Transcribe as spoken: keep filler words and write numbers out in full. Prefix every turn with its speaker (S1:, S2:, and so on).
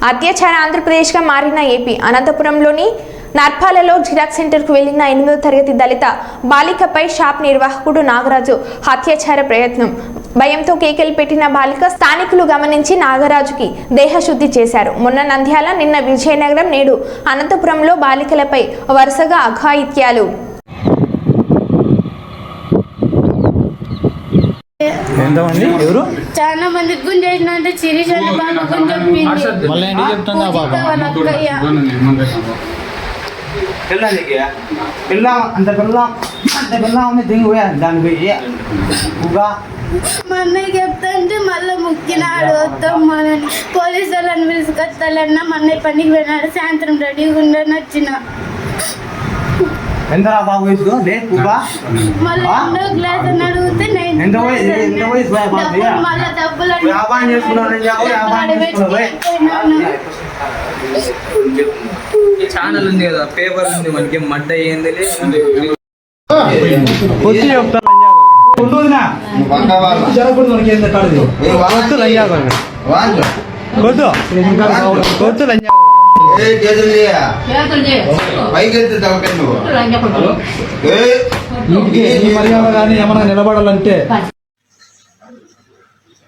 S1: అత్యాచార ఆంధ్రప్రదేశ్గా మారిన AP అనంతపురంలోని నర్పాలలో xerox సెంటర్కు వెళ్లిన ఎనిమిదో తరగతి దళిత బాలికపై షాప్ నిర్వాహకుడు నాగరాజు హత్యాచార ప్రయత్నం. భయంతో కేకలు పెట్టిన బాలిక స్థానికులు గమనించి నాగరాజుకి దేహశుద్ధి చేశారు. మొన్న నంద్యాల, నిన్న విజయనగరం, నేడు అనంతపురంలో బాలికలపై వరుసగా అఘాయిత్యాలు.
S2: ఎంతమంది ఎవరు
S3: చాలా మంది గుంజేసిన అంటే చిరిచండి బాబు గుంజొప్పింది.
S2: మళ్ళీ ఏంటి చెప్తుందా బాబా
S4: అంత పిల్లం అంత పిల్లం దిగిపోయా దాని పోయి
S3: మా అన్నయ్య చెప్తాంటే మళ్ళీ ముక్కినాడు వద్దాం మనని పోలీసు వాళ్ళని పిలుచుకొస్తాలన్నా మా అన్నయ్య పనికి పోయినాడు. సాయంత్రం రెడీగా ఉండని వచ్చిన
S4: ఎంత బాబు వయసు
S3: మళ్ళీ రెండో క్లాస్ అని అడిగితే
S4: ఎంత వయసు ఎంత వయసు
S3: మళ్ళీ డబ్బులు
S4: వ్యాపారం చేసుకున్నాను
S5: ఛానల్ ఉంది కదా, పేపర్ ఉంది, మనకి మడ్డ అయ్యింది.
S2: మర్యాద కానీ ఏమన్నా నిలబడాలంటే